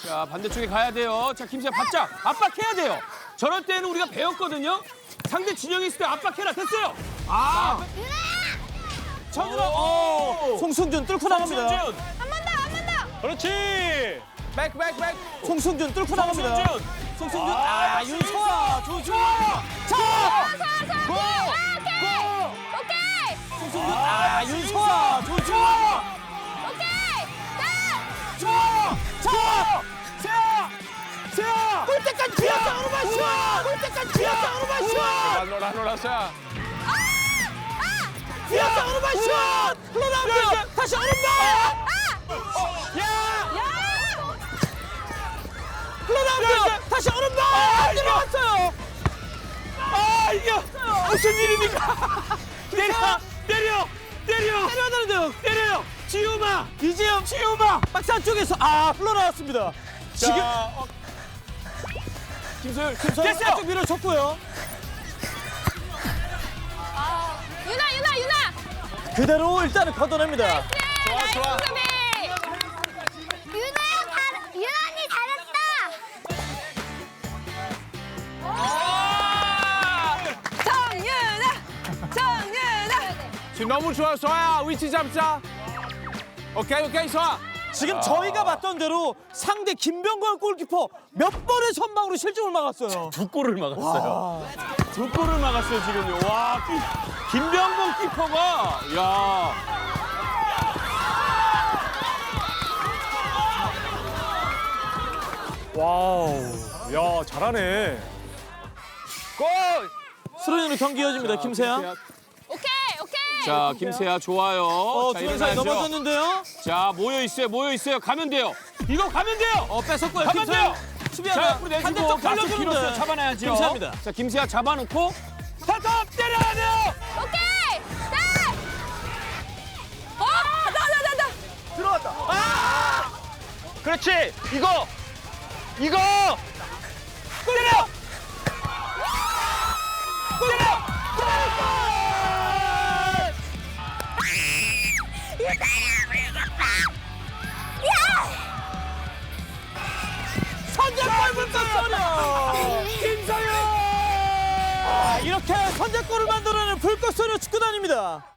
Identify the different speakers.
Speaker 1: 자, 반대쪽에 가야 돼요. 자, 김수현 바짝 압박해야 돼요. 저럴 때는 우리가 배웠거든요. 상대 진영에 있을 때 압박해라. 됐어요. 아,
Speaker 2: 전으로 송승준 뚫고 나갑니다.
Speaker 1: 송승준.
Speaker 3: 한 번 더, 한 번 더.
Speaker 1: 그렇지. 백.
Speaker 2: 송승준 뚫고 나갑니다.
Speaker 1: 송승준.
Speaker 2: 송승준 윤소아 조주아 자
Speaker 3: 고! 오케이!
Speaker 2: 송승준 윤소아 조주아
Speaker 3: 오케이!
Speaker 2: 자 세아 골 때까지 기어서 오르마쇼 골 때까지 기어서 오르마쇼
Speaker 1: 라노라노라샤.
Speaker 2: 기어서 오르마쇼 흘러나옵니다 다시 오른발 야 흘러나옵니다 다시 오른발 들어갔어요
Speaker 1: 아, 이게 무슨 일입니까? 때려야 되는데요. 때려요. 지우마.
Speaker 2: 이재영
Speaker 1: 지우마.
Speaker 2: 박스 안쪽에서 흘러나왔습니다 지금
Speaker 1: 김소율.
Speaker 2: 됐어요 안쪽 밀어줬고요
Speaker 3: 유나!
Speaker 2: 그대로 일단은 걷어냅니다
Speaker 1: 좋아.
Speaker 3: 수비!
Speaker 4: 유난히 잘했다.
Speaker 3: 정유나!
Speaker 1: 지금 너무 좋아, 소아야. 위치 잡자. 오케이, 소아.
Speaker 2: 지금 저희가 봤던 대로 상대 김병건 골키퍼 몇 번의 선방으로 실점을 막았어요
Speaker 1: 두 골을 막았어요. 두 골을 막았어요, 지금요. 와, 김병건 키퍼가, 야.
Speaker 2: 와우
Speaker 1: 야, 잘하네. 골!
Speaker 2: 수로이로 경기 이어집니다 김세아
Speaker 3: 오케이!
Speaker 1: 자, 김세아 좋아요. 자,
Speaker 2: 두 사이
Speaker 1: 일어나야죠.
Speaker 2: 넘어졌는데요
Speaker 1: 자, 모여 있어요. 가면 돼요. 이거 가면 돼요.
Speaker 2: 뺏었고요
Speaker 1: 가면 돼요. 자,
Speaker 2: 수비하다
Speaker 1: 앞으로 내주고
Speaker 2: 반대쪽
Speaker 1: 가서
Speaker 2: 돌려주는데
Speaker 1: 길었어요. 잡아놔야죠.
Speaker 2: 김세아입니다
Speaker 1: 자, 김세아 잡아놓고 타탑 때려야 돼요.
Speaker 3: 오케이! 나!
Speaker 1: 들어왔다. 그렇지. 이거. 때려.
Speaker 2: 선제골 불꽃소녀
Speaker 1: 김서영.
Speaker 2: 이렇게 선제골을 만들어내는 불꽃소녀 축구단입니다